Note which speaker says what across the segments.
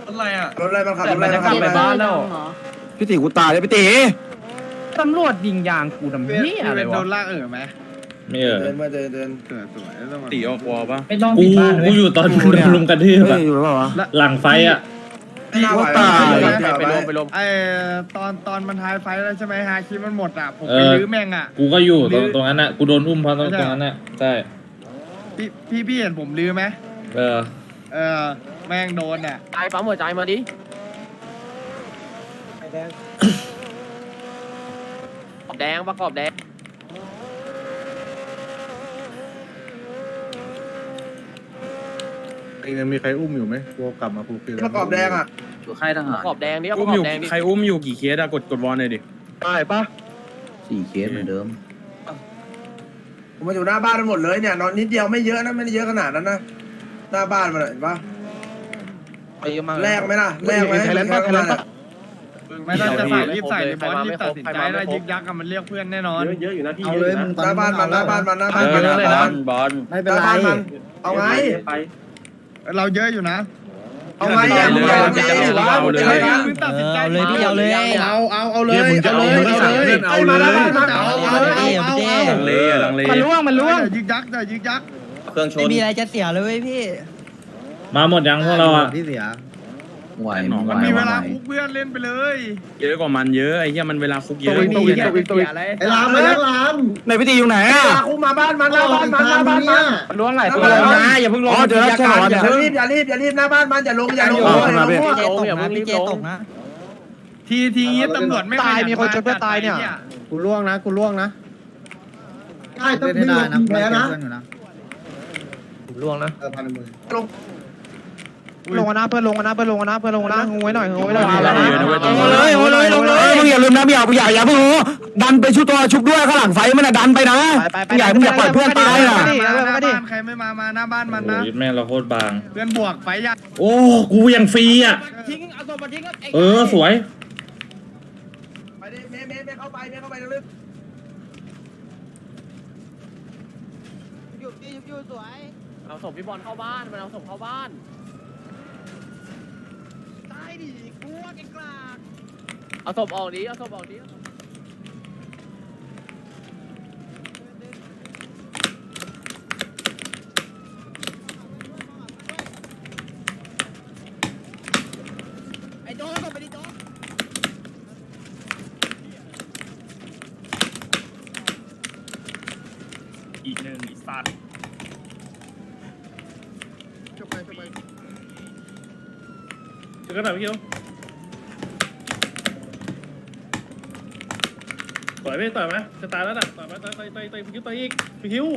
Speaker 1: อะไรอ่ะ
Speaker 2: รถอะไรมันขับรถอะไร
Speaker 3: แต่มันจะกลับไปบ้านแล้ว
Speaker 4: พี่ตีกูตายเลยพี่ตี
Speaker 3: ตำรวจยิงยางกูทำเหี้ยอะไร
Speaker 5: โด
Speaker 3: วะ
Speaker 5: นลากไหม
Speaker 6: ไม่
Speaker 2: เดินมาเดิน
Speaker 5: สวยแล้ว
Speaker 1: ตีออกวอลป่ะ
Speaker 3: ไม่ต้อง
Speaker 6: กู
Speaker 3: ปิดบ้านเล
Speaker 6: กู
Speaker 3: ย
Speaker 6: อยู่ตอนมึงโดนลุมกระทืบ
Speaker 4: เฮ้
Speaker 6: อะ
Speaker 4: ยอยู่หรือเปล่าวะ
Speaker 6: หลังไฟอะ
Speaker 2: พี่ว่าตาย
Speaker 3: ไปลม
Speaker 5: ไอตอนมันทายไฟแล้วใช่ไหมฮาคิมันหมดอ่ะผมไปลื้อแม่งอ่ะ
Speaker 6: กูก็อยู่ตรงนั้นอะกูโดนอุ้มเพราะตรงนั้นอะใช่
Speaker 5: พี่เห็นผมลื้อไหม
Speaker 6: เออ
Speaker 5: แม่งโดนอ่ะ
Speaker 3: ใจปั๊มหัวใจมาดิแดงประกอบแดง
Speaker 5: ยังมีใครอุ้มอยู่ไหมกูกลับมากูคือ
Speaker 2: ประกอบแดงอ่ะ
Speaker 1: อยู่ค่ายทหาร
Speaker 3: ประกอบแดงดิประ
Speaker 1: อุ้ม
Speaker 3: กอ
Speaker 1: อยู่
Speaker 3: บแดงดิ
Speaker 1: ใครอุ้มอยู่กี่เคสอะกดวอลหน่อยดิ
Speaker 5: ได้ปะ
Speaker 4: 4 เคสเหมือนเดิม
Speaker 2: ผมมาอยู่หน้าบ้านหมดเลยเนี่ยนอนนิดเดียวไม่เยอะนะไม่ได้เยอะขนาดนั้นนะหน้าบ้านมันเห็นปะ
Speaker 1: ไปเยอะมาก
Speaker 2: แลกไหมล่ะแลกไหม
Speaker 5: ไม่ต้องจะใส่รีบใส่บอสรีบตัดสินใจแล้วยึกยักกันมันเรียกเพื่อนแน่นอน
Speaker 1: เยอะอยู่นะพี่
Speaker 2: เอาเลยมึงหน้าบ้านมันหน้าบ้านมันหน้าบ้านมันหน้าบ้าน
Speaker 1: บอล
Speaker 2: ไม่เป็นไรเอาไง
Speaker 5: เราเยอะอยู่นะ
Speaker 2: เอาไงอ่ะมึงเอาไงมึงตัดสินใจ
Speaker 7: เอาเลยพี่เอาเลย
Speaker 5: เอาเลยเอามาหน้าบ้านมาเอา
Speaker 1: ลังเลอะลังเล
Speaker 3: มันล่วงมันล่วง
Speaker 5: ยึกยักอย่ายึกยัก
Speaker 1: เครื่องช
Speaker 7: ไม่
Speaker 1: น
Speaker 7: มีอะไรจะเสียเลยเว้ยพี่
Speaker 6: มาหมดยังพวกเราอะ
Speaker 5: ที่เสีย
Speaker 4: ไหว
Speaker 5: มันมีเวลาคุกเพื่อนเล่นไปเลย
Speaker 1: เยอะกว่ามันเยอะไอ้เหี้ยมันเวลาคุกเยอะ
Speaker 5: ไอ้ลามมาแล้วลาม
Speaker 4: ไหนพี่ตีอยู่ไหนอ่ะ
Speaker 2: กูมาบ้านมันหน้าบ้านมันหน้าบ้านมัน
Speaker 3: มันล่วงหลายตัว
Speaker 2: นะ
Speaker 3: อย่าเพิ่งลง
Speaker 4: อ๋อเจอแล้วใช่เหรอวะ
Speaker 2: อย่ารีบอย่ารีบอย่ารีบหน้าบ้านมันอย่าลงอย่าลง
Speaker 7: พี่เจตกนะพี่เจตกนะ
Speaker 5: ทีนี้ตำรวจไม่ตายมีคนชนเพื่อตายเนี่ยกูล่วงนะได้ต้องไม่ลงแพ้นะ
Speaker 3: ล่วงนะ
Speaker 5: ลงนะเพื่อนลงนะงงไว้หน่อย
Speaker 4: ลงเลยมึงอย่าลืมนะพี่อย่าเพิ่งดันไปชุบตัวชุบด้วยข้างหลังไฟมันดันไปนะมึงอย่าปล่อยเพื่อนตายอ่ะ
Speaker 5: ใครไม่มาหน้าบ้านมัน
Speaker 6: โอ้
Speaker 5: นะ
Speaker 6: ยแม่งเราโคตรบาง
Speaker 5: เพื่อนบวกไฟยัก
Speaker 6: โอ้กูยังฟรีอะ
Speaker 3: ทิ้งเอาตัวมาทิ้ง
Speaker 6: สวย
Speaker 2: ไปดิเมย์เข้าไปลึก
Speaker 3: เอาศพพี่บอลเข้าบ้านมันเอาศพเข้าบ้านตายดิกลัวเก่งกลางเอาศพออกดิเอาศพออกดิไอ้โจ๊กไปดิโจ๊ก
Speaker 1: อีกหนึ่งอีสัตว์จะกระดาษพี่เกียวต่อยไหมจะตายแล้วน่ะต่อยไหมต่อยพี่คิวต่อยอีกพี่คิว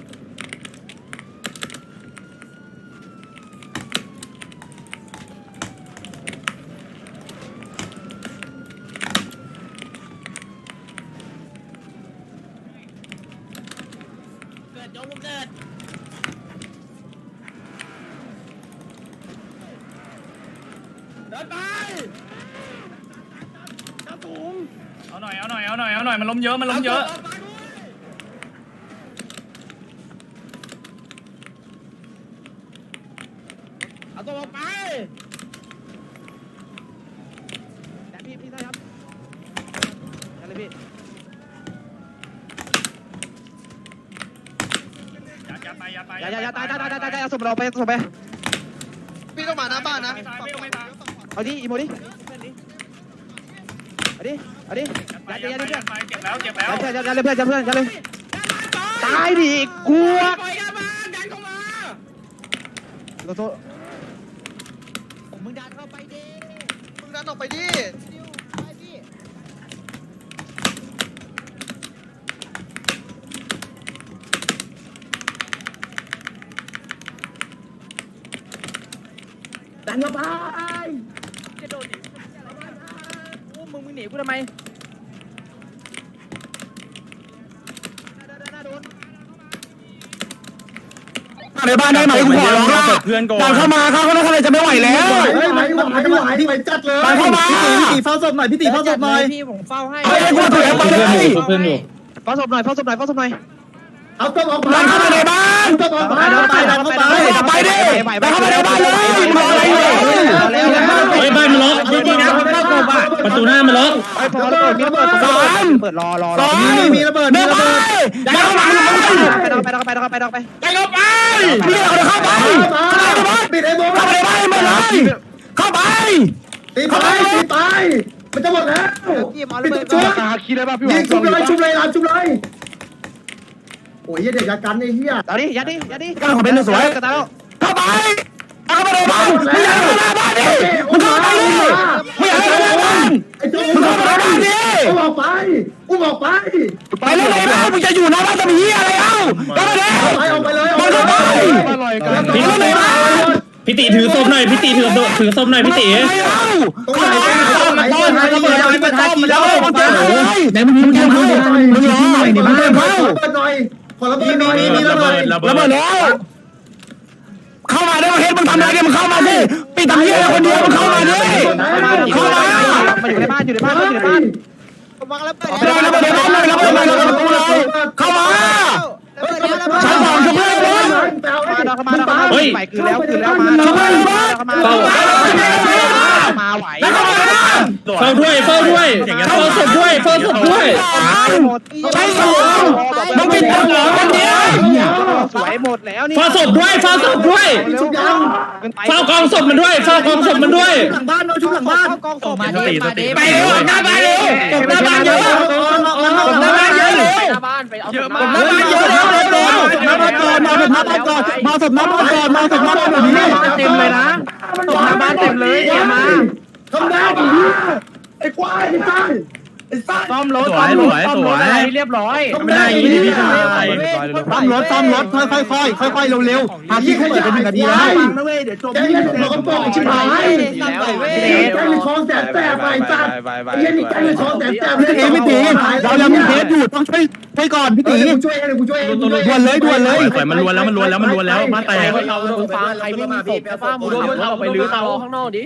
Speaker 3: เกิดโจ๊กเกิด
Speaker 1: เดินไปกระถุงเอาหน่อยมันล้มเยอะ
Speaker 3: เอาตัวออกไปแต่พี่ได้ครับได้เลยพี่
Speaker 1: อย่าตาย
Speaker 3: เอาศพเราไปศพไป
Speaker 5: พี่ต้องมาหน้าบ้านนะ
Speaker 1: ไม่ตาย
Speaker 3: เอาดิอีโมดิเอาดิยัดเ
Speaker 1: เจ็
Speaker 3: พื่อน
Speaker 1: บแล้ว
Speaker 3: ยัดเลยเพื่อนยัดเลยตายดิกลัวโทษ
Speaker 7: มึงดันเข้าไปดิ
Speaker 5: มึงดันออกไปดิ
Speaker 7: ไปพี่
Speaker 3: ดันเข้าไปจะโดนดิมึงหนีกูทำไม
Speaker 4: ในบ้านได้ไหมกูขอร้องละดันเข้ามาเข้าข้างในจะไม่ไหวแล้ว
Speaker 5: ไม่จัดเลย
Speaker 4: ดันเข้ามา
Speaker 5: พี่ตีเฝ้าศพหน่อย
Speaker 7: พี่ผมเฝ้าให้
Speaker 4: เฮ้ยกูถือไปเลย
Speaker 6: เพื่อนอยู่
Speaker 3: เฝ้าศพหน่อย
Speaker 5: เอาศพออก
Speaker 4: ดันเข้ามาในบ้าน
Speaker 5: ดันเข้าไป
Speaker 4: ไปดิดันเข้ามาในบ้านเลยมึงรออะไรอยู่
Speaker 6: ประตูหน้ามันล็อก
Speaker 3: ไอ้พอระเบิดมีระเบิด
Speaker 4: สาม
Speaker 3: เปิดรอ
Speaker 4: มีระเบิดมีระเบิดไปเข้าไป
Speaker 3: ไปไป
Speaker 4: ไปเข้าไปพี่เอาเข้าไปปิดไอ้โบเข้าไปไม่เลยเข้าไปตีไปมันจะหมดแล้ว
Speaker 3: พี่มาระเบิด
Speaker 4: จุ๊บคิดได้ป่ะพี่ยิงชุบเลยชุบเลยชุบเลยโอ้ยเด็กยัดกันไอ้เหี้ย
Speaker 3: เอาดิยัดดิ
Speaker 4: ขอเป็นสวยเข้าไปเอาเข้าไปในบ้านไม่อยากเข้าในบ้านดิมึงเข้าไปดิไม่อยากเข้าในบ้านมึงเข้าไปในบ้านดิอุ้มออกไปไปแล้วในบ้านมึงจะอยู่หน้าบ้านจะมีอะไรเอ้าเข้าไปเลยออกไปเลยไปในบ้าน
Speaker 6: พี่ตีถือศพหน่อยพี่ตีถือศพหน่อยพี่ตี
Speaker 4: ไหนมึงยิงกันมึงยิงหน่อยนี่มึงเล่นเขามีระเบิดแล้วเข้ามาได้มาเฮ็ดมึงทำอะไรกันมึงเข้ามาสิปิดตำเหี้ยคนเดียวมึงเข้ามาดิเข้ามา
Speaker 3: อยู่ในบ้านวางระเบิด
Speaker 4: เข้ามาชั้นสองช่วยเพื่อน
Speaker 6: เฮ้ย
Speaker 3: ไปคือแล้วมาไหว
Speaker 6: เฝ้าด้วยเฝ้าศพด้วย
Speaker 4: ใช่สองมึงปิดตำหัวคนเดียว
Speaker 3: สวยหมดแล้วนี่
Speaker 6: เฝ้าศพด้วยเฝ้ากองศพมันด้วย
Speaker 7: หลังบ้านเราชุบหลังบ้าน
Speaker 3: กองศพมาดิ
Speaker 4: ไปเร็วหน้าบ้านเร็วหน้าบ้านเยอะหน้าบ้านเยอะเร็ว
Speaker 3: หน้าบ้านไปเอา
Speaker 5: เยอะมาก
Speaker 4: หน้าบ้านเยอะเร็วมาศพหน้าบ้านก่อนเต็มเลยนะศพหน้าบ้านเต็มเลยอย่ามาทำได้ดิไอ้ควายไอ้ซ่าซ่อมรถเรียบร้อยไม่ได้ยินพี่ชายซ่อมรถค่อยเร็วๆหาที่เขาเปิดเป็น1 นาทีแล้วฟังนะเว้ยเดี๋ยวจบนี่เราก็บอกชิบหายแกมีคลองแสบไปจ้าไอ้ยันนี่แกมีคลองแสบเลยพี่ตีเรายังมีเคสอยู่ต้องช่วยก่อนพี่ตีกูช่วยด่วนเลย
Speaker 6: มันล้วนแล้วมาแตก
Speaker 3: เราฟังใครไม่มีศพฟ้ามูเราไปลื้อเตาข้างนอกดิ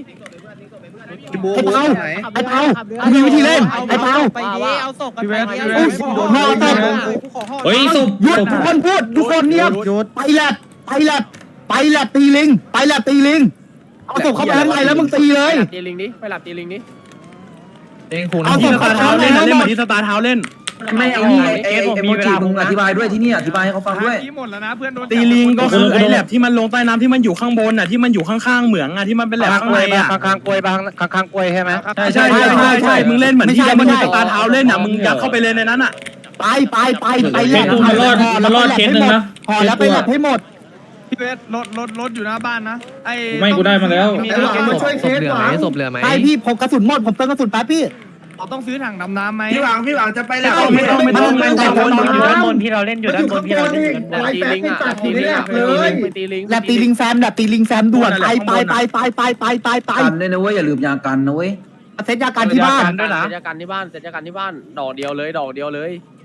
Speaker 4: ไอ้เปามีวิธีเล่นไอ้เปา
Speaker 3: ไปดิเอาศพกันไปดิ
Speaker 6: เฮ้ยศพ
Speaker 4: หยุดทุกคนพูดทุกคนเงียบไปแลบตีลิงเอาศพเข้าไปข้างในแล้วมึงตีเลย
Speaker 3: ตีลิงดิไปหลับตีลิงดิ
Speaker 4: เอาศพเข้าไปข้างในแล้วหมด
Speaker 6: ที่สตาร์เท้าเล่น
Speaker 8: ไม่ไอ้นี่ไอ้โมจิมึงอธิบายด้วยที่นี่อธิบายให้เขาฟังด้วย
Speaker 5: หมดแล้วนะเพื่อนโดน
Speaker 6: ตีลิงก็คือไอ้แลบที่มันลงใต้น้ำที่มันอยู่ข้างบนน่ะที่มันอยู่ข้างๆเหมืองอ่ะที่มันเป็นแลบข้างในอ่ะ
Speaker 3: ข้างกล้วยใช่ไหม
Speaker 6: ใช่มึงเล่นเหมือนที่มันมีสตาร์เท้าเล่นอ่ะมึงยัดเข้าไปเลยในนั้นอ่ะ
Speaker 4: ไปแลบ
Speaker 6: มันรอดเคสนึงนะ
Speaker 4: พอแล้วไปแลบให้หมด
Speaker 5: พี่เวสรถอยู่หน้าบ้านนะไอ้
Speaker 6: ไม่กูได้มาแล้ว
Speaker 4: มาช่วยเคสหวังไปพี่ผมกระสุนหมดผมเติมกระสุนแป๊บพี่
Speaker 5: ต้องซื้อถังดำน้ำไหม
Speaker 2: พี่หวังจะไปแล้ว
Speaker 4: ไม่ต้องอยู่ด้านบน
Speaker 3: พี่เราเล่นอยู่ด้านบนพี่เราเล่นอยู่ตีลิงอ่ะตีลิงไปตีลิง
Speaker 4: แลบตีลิงแซมด่วนไป
Speaker 8: กันด้วยนะเว้ยอย่าลืมยากันนะเว้ย
Speaker 4: เซตยาการที่บ้าน
Speaker 3: เสร็จจากการที่บ้านดอกเดียวเลย